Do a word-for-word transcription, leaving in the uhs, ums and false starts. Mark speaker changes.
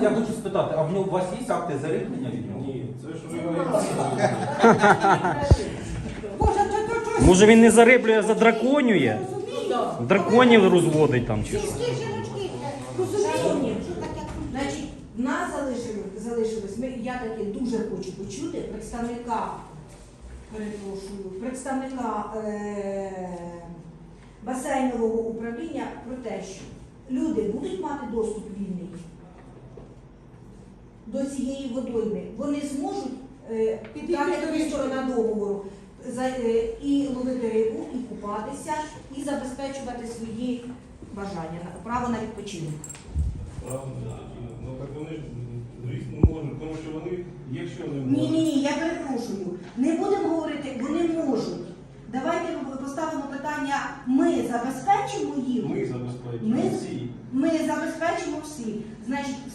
Speaker 1: я хочу спитати, а в нього у вас є акти зариблення від нього?
Speaker 2: Ні, це ж ви говорите.
Speaker 3: Може він не зариблює, а задраконює?
Speaker 4: Да.
Speaker 3: Драконів розводить там чи що?
Speaker 5: Сільські жіночки розуміють, що таке.
Speaker 4: Значить, в нас залишилось, залишилось ми, я таки дуже хочу почути представника, перепрошую, представника е- басейнового управління про те, що люди будуть мати доступ вільний до цієї водойми. Вони зможуть, е, так як і сторона договору, за, е, і ловити рибу, і купатися, і забезпечувати свої бажання, на- право на відпочинок.
Speaker 2: Правда, ну так вони ж, звісно, можуть, тому що вони, якщо не
Speaker 4: Ні,
Speaker 2: можуть.
Speaker 4: ні, ні, я перепрошую. Не будемо говорити, вони можуть. Давайте поставимо питання, ми забезпечимо їм.
Speaker 2: Ми забезпечимо
Speaker 4: Ми,
Speaker 2: всі.
Speaker 4: ми забезпечимо всі. Значить,